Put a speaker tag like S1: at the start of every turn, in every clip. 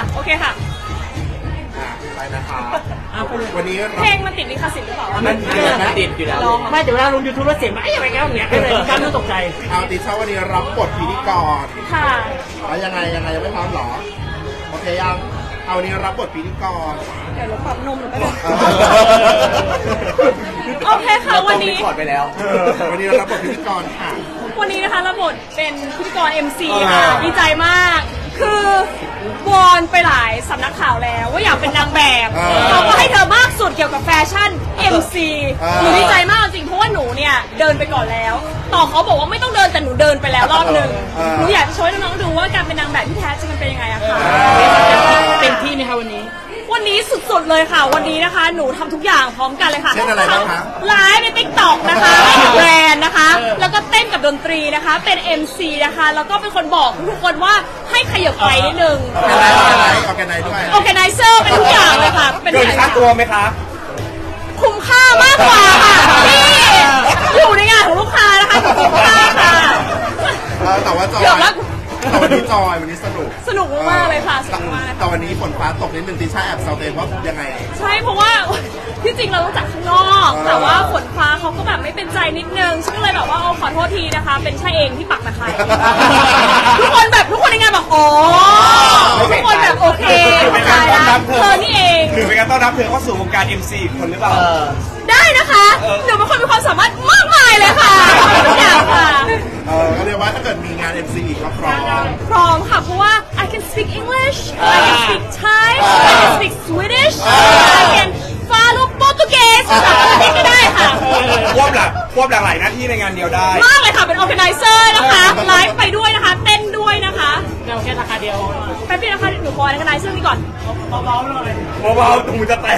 S1: โอเคค่ะ
S2: ไปนะคะ
S3: ไปเลย
S2: วันนี้
S1: เพลงมันติดลิขสิทธิ์หรือเปล่า
S3: มันติดอยู่แล้วไม่แต่เวลาลง YouTube แล้วเสียงมันอะไรกันอย่างเงี้ยก็เลยการไม่ตกใจ
S2: เอาติช่าวันนี้รับบทพิธีกร
S1: ค่ะ
S2: แล้วยังไงยังไม่พร้อมหรอโอเคยังเอาวันนี้รับบทพิธีกร
S1: เดี๋ยวเราปรับนมหรือเปล่าโอเคค่ะวันนี้
S3: กดไปแล้ว
S2: วันนี้เรารับบทพิธีกรค่ะ
S1: วันนี้นะคะรับบทเป็นพิธีกร MC ค่ะดีใจมาก คือวอนไปหลายสำนักข่าวแล้วว่าอยากเป็นนางแบบเขาก็ให้เธอมากสุดเกี่ยวกับแฟชั่น MC หนูดีใจมากจริงเพราะว่าหนูเนี่ยเดินไปก่อนแล้ว ต่อเขาบอกว่าไม่ต้องเดินแต่หนูเดินไปแล้วรอบหนึ่งหนูอยากจะโชว์ให้น้องๆดูว่าการเป็นนางแบบที่แท้จริงมันเป็นยังไงอะค่ะ
S3: เต็มที่ไหมคะวันนี้
S1: วันนี้สุดๆเลยค่ะ วันนี้นะคะ หนูทำทุกอย่างพร้อมกันเลยค่ะ
S2: เช่นอะไรบ้างคะ
S1: ไลฟ์ใน TikTok นะคะแบรนด์นะคะ แล้วก็เต้นกับดนตรีนะคะ เป็น MC นะคะ แล้วก็เป็นคนบอกทุกคนว่าให้ขยับไปนิดนึง
S2: ออแกไนด้วย
S1: Organizer เป็นทุกอย่างเลยค่ะ เป็น
S3: เกินค่าตัวไหมคะ
S1: คุ้มค่ามากกว่าค่ะนี่อยู่ในงานของลูกค้านะคะคุ้มค่าค่ะ
S2: แต่ว่าจอย
S1: เกือบแล้ว
S2: แต่วันนี้จอยวันนี้สนุก
S1: สนุกมากๆเลยค่ะสนุกมากเลย
S2: แต่
S1: ค่ะ
S2: วันนี้ฝนฟ้าตกนิดนึงติช่าแอบเซาเตนว่ายังไง
S1: ใช่เพราะว่าที่จริงเรารู้จักข้างนอก แต่ว่าฝนฟ้าเขาก็แบบไม่เป็นใจนิดนึงฉันก็เลยแบบว่าขอโทษทีนะคะ เป็นชายเองที่ปักตะไคร้ทุกคนในงานบอกอ๋อทุกคนแบบโอเคเข้าใจละเธอนี่เอง
S4: หรือเป็นการต้อนรับเธอเข้าสู่วงการ MC อีกคนหรือเปล่า
S1: ได้นะคะหนูเป็นคนมีความสามารถมากมายเลยค่ะทุกอย่างค่ะ
S2: ก็เรียกว่าถ้าเกิดมีงาน MC อีกก็พร้อม
S1: พร้อมค่ะเพราะว่า I can speak English I can speak Thai I can speak Swedish I can follow Portuguese ภาษาอังกฤษก็ได้ค่ะ
S4: ควบหลากหลายหน้าที่ในงานเดียวได้
S1: มากเลยค่ะเป็น organizer นะคะไลฟ์ไปด้วยนะคะ เต้นด้วยนะคะ
S3: เราแค่ราคาเดียว
S1: แป๊บเดียวนะคะหนูขอ organizer นี่ก่อน
S3: เบาๆหน่อย
S4: เบาๆตรงมือจะแตก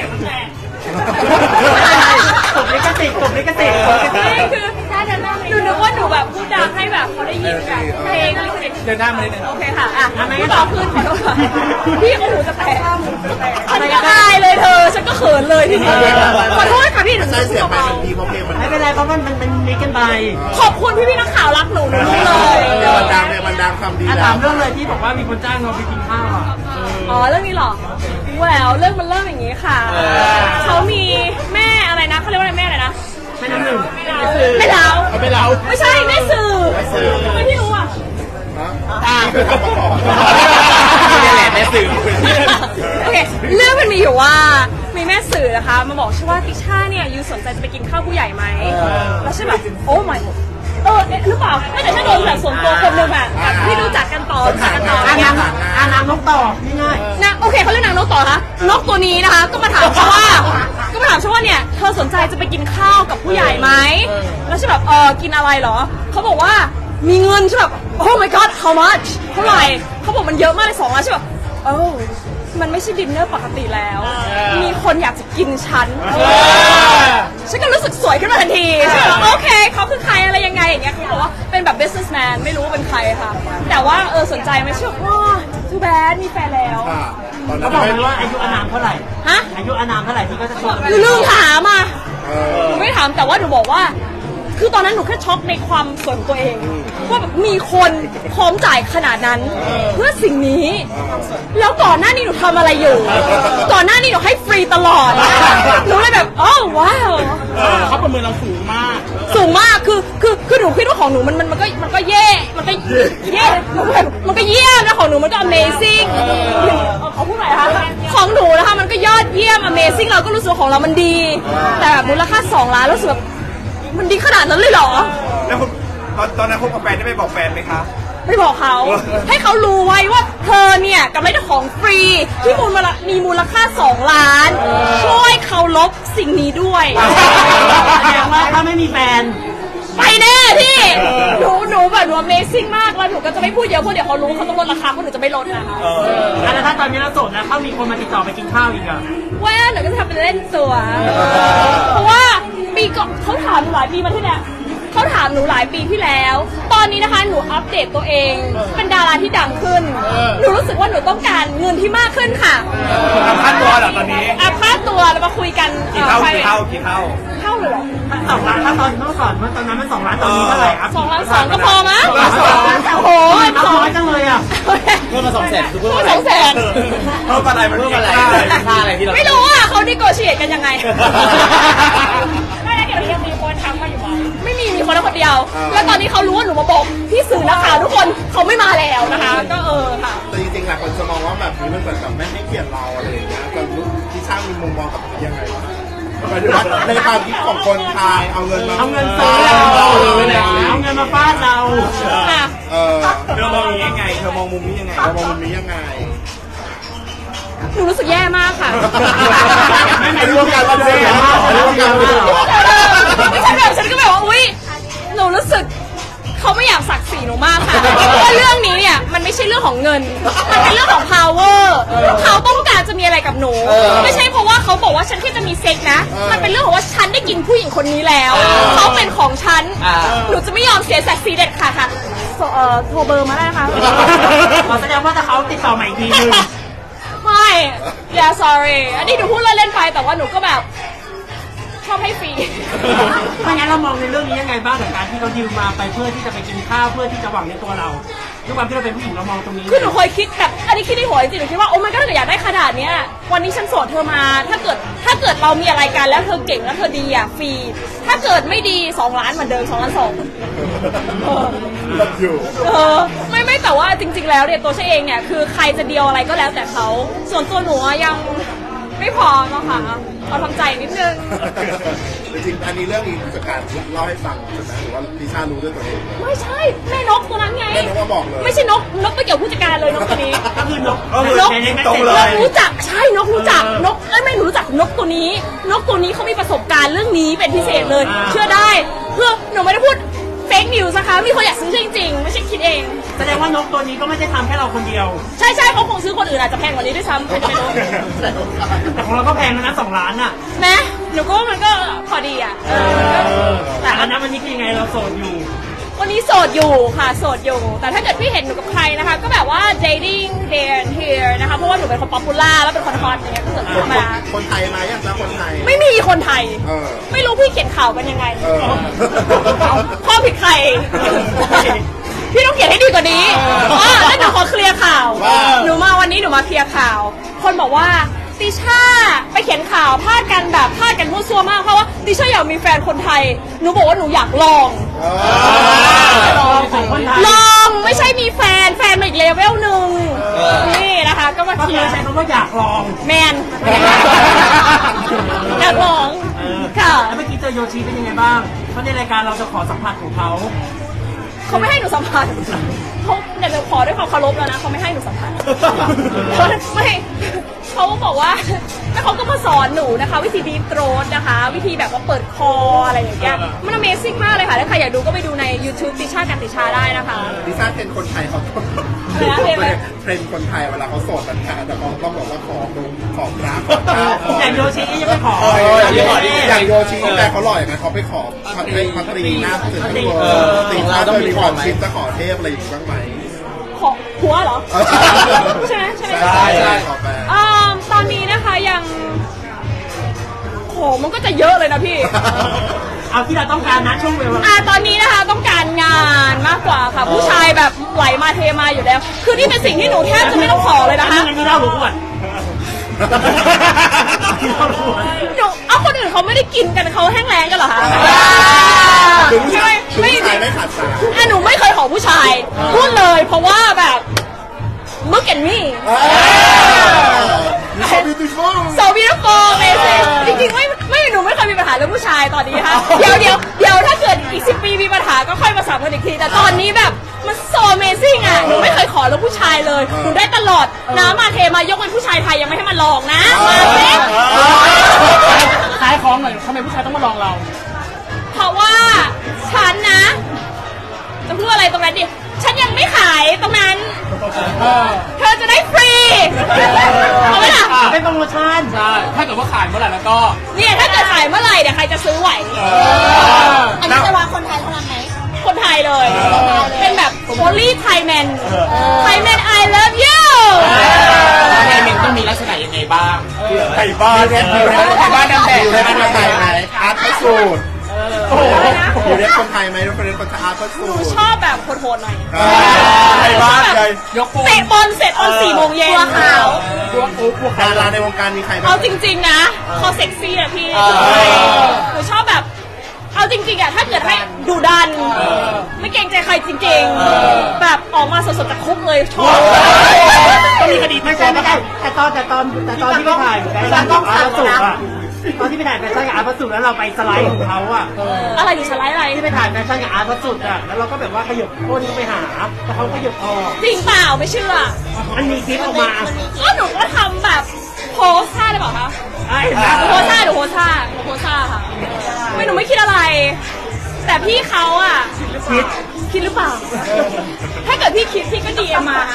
S3: ตบลิขสิทธิ์
S1: นี่คือหนูนึกว่าหนูแบบพูดดังให้แบบเขาได้ยินแบบเพลงอะไรกัน
S3: เดินหน้ามาเลย
S1: โอเคค่ะอ่ะไม่ต่อขึ้นขอโทษค่ะพี่โอ้โหจะแตกฉันก็อายเลยเธอฉันก็เขินเลยทีนี้ขอโทษค่ะพี่หนู
S2: ใช่เสียงไปมันดีเพราะเพลงมัน
S3: ไม่เป็นไรเพราะมันมิกกันไป
S1: ขอบคุณพี่นักข่าวรักหนูรู้เลย
S2: มันดังทำดี
S3: ถา
S2: แล้
S3: ม
S2: ว
S3: เรื่องเลยที่บอกว่ามีคนจ้างเราไปกินข้าวอ่ะ
S1: อ๋อเรื่องนี้เหรอแหววเรื่องมันเริ่มอย่างนี้ค่ะเขามีแม่อะไรนะเขาเรียกว่าอะไรแม่อะไรนะ
S3: แม่น้ำหนึ่ง
S1: แม่เล้า
S2: ไม่เรา
S1: ไม่ใช่แม่สื่อทำไมพี่รู้อ่ะ
S2: คือทำมาก่อน
S4: นี่แหละแม่สื่อ
S1: โอเคเรื่องมันมีอยู่ว่ามีแม่สื่อนะคะมาบอกใช่ว่าติช่าเนี่ยยูสนใจจะไปกินข้าวผู้ใหญ่ไหมแล้วใช่แบบโอ้ my หรือเปล่าไม่แต่ถ้าโดนแบบส่วนตัวคนหนึ่งแบบที่รู้จักกันต่อ
S3: นางนกต่อง่าย
S1: นะโอเคเขาเรียกนางนกต่อคะนกตัวนี้นะคะก็มาถามฉันว่าเนี่ยเธอสนใจจะไปกินข้าวกับผู้ใหญ่ไหมแล้วใช่แบบกินอะไรเหรอเขาบอกว่ามีเงินใช่แบบ oh my god how much เท่าไหร่เขาบอกมันเยอะมากเลย2 ล้านใช่แบบมันไม่ใช่ดินเนอร์ปกติแล้ว มีคนอยากจะกินฉันก็รู้สึกสวยขึ้นมาทันทีใช่ไหมโอเคเขาคือใครอะไรยังไงอย่างเงี้ยเขาบอกว่าเป็นแบบ businessman ไม่รู้ว่าเป็นใครค่ะ แต่ว่าสนใจไหมเชื่อว่า too bad มีแฟนแล้ว
S2: ตอน
S3: ๆ
S2: นั้
S3: เขา
S2: น
S3: บอก
S2: ไม่
S3: เลยว่าอายุอานามเท่าไหร่
S1: ฮะ
S3: อายุอานามเท่าไหร่ที่ก็จะชวน
S1: หนูลืมถามอ่ะหนูไม่ถามแต่ว่าหนูบอกว่า คือตอนนั้นหนูแค่ช็อกในความสวยของตัวเองว่าแบบมีคนพร้อมจ่ายขนาดนั้น เพื่อสิ่งนี้ แล้วก่อนหน้านี้หนูทำอะไรอยู่ ก่อนหน้านี้หนูให้ฟรีตลอดหนูเลยแบบอ๋อว้าว
S3: เขาประเมินเราสูงมาก
S1: สูงมากคือหนูคิดว่าของหนูมันก็เย่มันก็เย่มันก็เยี่ยมนะของหนูมันก็ amazing เขาพูดอะไรคะของหนูนะคะมันก็ยอดเยี่ยม amazing เราก็รู้สึกของเรามันดี แต่แบบมูลค่า2 ล้านแล้วรู้สึกแบบมันดีขนาดนั้นเลยเหรอ
S4: แล้วคุณตอนนั้นคบกับแฟนได้ไปบอกแฟนไหมคะ
S1: ไม่บอกเขาให้เขารู้ไว้ว่าเธอเนี่ยกำลังได้ของฟรีที่มีมูลค่า2 ล้านช่วยเขาลบสิ่งนี้ด้วย
S3: แสดงว่าถ้าไม่มีแฟน
S1: ไปแน่พี่หนูแบบหนู amazing มากแล้วหนูก็จะไม่พูดเยอะเพราะเดี๋ยวเขารู้เขาต้องลดราคาเพราะหนูจะไม่ลดนะคะ
S3: แล้วถ้าตอนนี้เราโสดแล้วเขามีคนมาติดต่อไปกินข้าวอีกอ่ะ
S1: ว่าหนูก็จะทำเป็นเล่นตัวเพราะว่าปีก่อนเขาถามหนูหลายปีมาที่เนี่ยเขาถามหนูหลายปีที่แล้ว ตอนนี้นะคะหนูอัปเดตตัวเอง เป็นดาราที่ดังขึ้น หนูรู้สึกว่าหนูต้องการเงินที่มากขึ้นค่ะ
S4: ทำค่าตัวเหรอตอนนี้
S1: อัพค่าตัวแล้วมาคุยกัน
S4: กี่เท่า
S1: ใคร
S4: กี่เท่ากี่เท่า
S1: เท่าเลยเหรอ
S3: มัน2 ล้านถ้าตอนเมื่อก่อนมันตอนนั้นมัน2 ล้านตอนนี้เท่าไหร่ครับ
S1: 2,200,000ก็พอมั้ง
S3: 2,200,000
S1: โอ้โห
S3: เอาน้อยจังเลยอ่ะ
S2: เพิ่มมา200,000คือเพิ่ม
S1: พูด
S2: อะไร
S1: 200,000
S4: เพิ่มอะไรมัน
S2: เพิ่มอะไร ค่าอะไรที่เรา
S1: ไม่รู้อ่ะเขาดิโกเชียตกันยังไง ไม่แล้วเดี๋ยวนี้ยังมีคนทำมาอยู่ไหมไม่มีคนละคนเดียว แล้วตอนนี้เขารู้ว่าหนูมาบอกพี่สื่อนักข่าวทุกคนเขาไม่มาแล้วนะคะ ก็ค่ะ
S2: แต่จริงๆหลายคนจะมองว่าแบบนี้มันเหมือนกับไม่ให้เกียรติเราอะไรอย่างเงี้ยจะรู้ที่ช่างมีมุมมองกับนี้ยังไงหมายถึงว่าในความคิดของคนไทยเอาเงินมา
S3: เอาเงินซื้อเราเอาเงินมาฟาดเรา
S1: ค่ะ
S4: เธอมองอย่างนี้ยังไงเธอมองมุมนี้ยังไง
S2: เรามองมุมนี้ยังไง
S1: หนูรู้สึกแย่มากค่ะ
S2: ไม่รู้กันว่าเสียมากไม่รู้กันว่า
S1: ไม่ใช่แบบฉันก็แบบว่าอุ๊ยหนูรู้สึกเขาไม่อยากศักดิ์ศรีหนูมากค่ะเพราะว่าเรื่องนี้เนี่ยมันไม่ใช่เรื่องของเงิน มันเป็นเรื่องของ power เขาต้องการจะมีอะไรกับหนู ไม่ใช่เพราะว่าเขาบอกว่าฉันแค่จะมีเซ็กนะ มันเป็นเรื่องของว่าฉันได้กินผู้หญิงคนนี้แล้วเขาเป็นของฉันหนูจะไม่ยอมเสียศักดิ์ศรีเด็ดขาดค่ะโทรเบอร์มาได้นะคะ
S3: ขอแสดงว่าถ้าเขาติดต่อใหม่อีกทีนึง
S1: ไม่ yeah sorry อันนี้หนูพูดเล่นๆไปแต่ว่าหนูก็แบบชอบให้ฟรี
S3: ไม่งั้นเรามองในเรื่องนี้ยังไงบ้างกับการที่เขาดิวมาไปเพื่อที่จะไปกินข้าวเพื่อที่จะหวังในตัวเราด้วยความที่เราเป็นผู้หญิงเรามองตรงนี้
S1: คือหนูเคยคิดแบบอันนี้คิดในหัวจริงๆหนูคิดว่าโอ้มันก็ถ้าเกิดอยากได้ขนาดเนี้ยวันนี้ฉันโสดเธอมาถ้าเกิดเรามีอะไรกันแล้วเธอเก่งแล้วเธอดีอ่ะฟรีถ้าเกิดไม่ดี2 ล้านเหมือนเดิม2 ล้าน 2
S2: แบบอยู่
S1: ไม่แต่ว่าจริง ๆ แล้วเนี่ยตัวฉันเองเนี่ยคือใครจะเดียวอะไรก็แล้วแต่เขาส่วนตัวหนูอะยังไม่พร้อมอะค่ะเอาทำใจนิดนึง
S2: จริงๆอันนี้เรื่องนี้ผู้จัดการเล่าให้ฟังใช่ไหมหรือว่าดิชารู้ด้วยตัวเอง
S1: ไม่ใช่แม่นกตัวนั้นไง
S2: แม่นกมาบอกเลย
S1: ไม่ใช่นกไม่เกี่ยวกับผู้จัดการเลยนกตัวนี้
S3: ก็คือนก
S1: นก
S3: ใน
S4: ตรงเล
S1: น
S4: ย
S1: กรู้จักใช่นกรู้จักนกไม่หนูรู้จักนกตัวนี้ นกตัวนี้เขามีประสบการณ์เรื่องนี้เป็นพิเศษเลย เชื่อได้เพื่อหนูไม่ได้พูดเฟกนิวส์นะคะมีคนอยากซื้อจริงๆไม่ใช่คิดเอง
S3: แสดงว่านกตัวนี้ก็ไม่ได้ทำแค่เราคนเดียว
S1: ใช่เขาคงซื้อคนอื่นอาจจะแพงกว่านี้ด้วยซ้ำใครจะไปรู้
S3: แต่ของเราก็แพงนะ2 ล้านอ่ะ
S1: นะหนูก็ว่ามันก็พอดีอ่ะ
S3: แต่อั
S1: แต่อั
S3: น
S1: น
S3: นั้
S1: นั้น
S3: นวันนี้คือยังไงเราโสดอยู่
S1: วันนี้โสดอยู่ค่ะโสดอยู่ แต่ถ้าเกิดพี่เห็นหนูกับใครนะคะ ก็แบบว่า dating there and here นะคะเพราะว่าหนูเป็นคนป๊อปปูล่าแล้วเป็นคนฮอตอย่างเงี้ยก็คือธรรมดา
S2: คนไทยไหมอยากจะคนไทย
S1: ไม่มีคนไทย
S2: เออ
S1: ไม่รู้พี่เขียนข่าวกันยังไง
S2: เออ
S1: ข้อผิดใคร พี่ต้องเขียนให้ดีกว่านี้แล้วหนูขอเคลียร์ข่าว
S2: ว่า
S1: หนูมาวันนี้หนูมาเคลียร์ข่าว คนบอกว่าติช่าไปเขียนข่าวพลาดกันมั่วซั่วมากเพราะว่าติช่าอยากมีแฟนคนไทย หนูบอกว่าหนูอยากลอง
S3: ของคนไทย
S1: ลองไม่ใช่มีแฟนมาอีกเลเวลหนึ่งนี่นะคะ ก็มา
S3: ก็
S1: เคลี
S3: คื
S1: ย
S3: อ
S1: ร์
S3: ใช้คำว่าอยากลอง
S1: แมนอยากลองค่ะ
S3: แล้วเมื่อกี้เจอโยชิเป็นยังไงบ้างเพราะในรายการเราจะขอสัมผัสของเขา
S1: เขาไม่ให้หนูสัมผัสเขาเดี๋ยวขอด้วยความเคารพแล้วนะเขาไม่ให้หนูสัมผัสไม่เขาบอกว่าแล้วเขาก็มาสอนหนูนะคะ วิธีดีโตรสนะคะ วิธีแบบว่าเปิดคออะไรอย่างเงี้ยมัน Amazing มากเลยค่ะถ้าใครอยากดูก็ไปดูใน YouTube ติช่ากันติชาได้นะคะ
S2: ดิชาเทรนคนไทยเขา
S1: อะไรนะเทรนอะไร
S2: เทรนคนไทยเวลาเขาโสดกันค่ะแต่เขาต้องบอกว่าขอดูของรักขอข้าวขอ
S3: แต่โยชิยังไม่ขอ
S2: อย่างโยชิแต่เขาหล่ออย่างนั้นเขาไปขอพัตรีหน้าเสร็จทั้งตัวติเราต้องมีความคิดจะขอเทพอะไรอย่างนี้บ้างไหม
S1: ขอหัวเหรอ ใช่ไหม
S2: ใช่ขอแฟน
S1: ตอนนี้นะคะยังโหมันก็จะเยอะเลยนะพี่
S3: เอาที่เราต้องการนะช่วงเวลา
S1: ตอนนี้นะคะต้องการงานมากกว่าค่ะ ผู้ชายแบบไหลมาเทมาอยู่แล้ว คือนี่เป็นสิ่งที่หนูแทบจะไม่ต้องขอเลยนะคะ
S3: อันนี้เล่าหรืออวด
S1: หนูเอาคนอื่นเขาไม่ได้กินกันเขาแห้งแล้งกันเหรอคะ
S2: ถึง
S1: ใช่ไหม
S2: ผู้ชายไม่ขาดสาย
S1: หนูไม่เคยขอผู้ชายพูดเลยเพราะว่าแบบlook at me
S2: so beautiful
S1: so beautiful amazing จริงๆไม่หนูไม่เคยมีปัญหาเรื่องผู้ชายตอนนี้ค่ะเดี๋ยวถ้าเกิดอีก10 ปีมีปัญหาก็ค่อยมาสามกันอีกทีแต่ตอนนี้แบบมัน so amazing อ่ะหนูไม่เคยขอเรื่องผู้ชายเลยหนูได้ตลอดน้ำมาเทมายกเป็นผู้ชายไทยยังไม่ให้มาลองนะมาเซ็ก
S3: ขายของหน่อยทำไมผู้ชายต้องมาลองเรา
S1: เพราะว่าฉันนะจะพูดอะไรตรงนั้นดิฉันยังไม่ขายตรงนั้นเธอจะได้ฟรีเอาไหมล่ะ
S3: เป็นโปรโมชั่น
S4: ใช่ถ้าเกิดว่าขายเมื่อไหร่แล้วก็
S1: เนี่ยถ้าเกิดขายเมื่อไหร่เดี๋ยวใครจะซื้อไหว
S5: อันนี้จะวางคนไทยเท่านั้นไหม
S1: คนไทยเลย เป็นแบบ only Thai man Thai man I love you
S6: ในเมนต้องมีลักษณะยังไงบ้าง
S4: ไทยบ้าน
S2: ไทยบ้านนางแบบอยู่ในบ้านคนไทยไหมอาร์ตพระสูตรอยู่ในคนไทยไหมเป็นคนอาร์ตพระสู
S1: หนู
S2: ตร
S1: ชอบแบบโหดๆหน่อย
S4: ไทยบ้านไง
S6: ยกปู
S1: เตะบอลเสร็จตอน4 โมงเย็น
S5: ตัวขาว
S2: ดาราในวงการมีใครบ้าง
S1: เอาจริงๆนะเขาเซ็กซี่อะพี่หนูชอบแบบ เอาจริงๆอะถ้าเกิดให้ดูดัน ไม่เกรงใจใครจริงๆ แบบออกมาสดๆจากคุกเลยชอบ
S3: ต้องมีคดีไม่ใช่แต่ตอนที่ไปถ่ายแฟชั่นกับอาร์ตสุอะตอนที่ไปถ่ายแฟชั่นกับอาร์ตสุแล้วเราไปสไลด์ของเขาอะ
S1: อะไรอยู่สไลด์อะไร
S3: ที่ไปถ่ายแฟชั่นกับอาร์ตสุอะแล้วเราก็แบบว่าขยับก้นไปหาแต่เขาขยับออก
S1: จริงเปล่าไม่เชื่อ
S3: มันมีคลิปออกมา
S1: ก็หนูก็ทำแบบโพสท่าได้เปล่าคะ
S3: ไอ้
S1: หนูโพสท่าค่ะไม่หนูไม่คิดอะไร แต่พี่เขาอะคิดหรือเปล่า ถ้าเกิดพี่คิดพี่ก็ดีเอ็มมา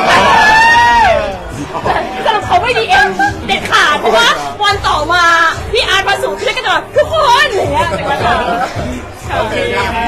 S1: สรุปเขาไม่ดีเอ็มเด็ดขาดเพราะว่าวันต่อมาพี่อาร์ตมาสู่พี่ก็จะแบบทุกคนอย่างเงี้ย
S2: โอเค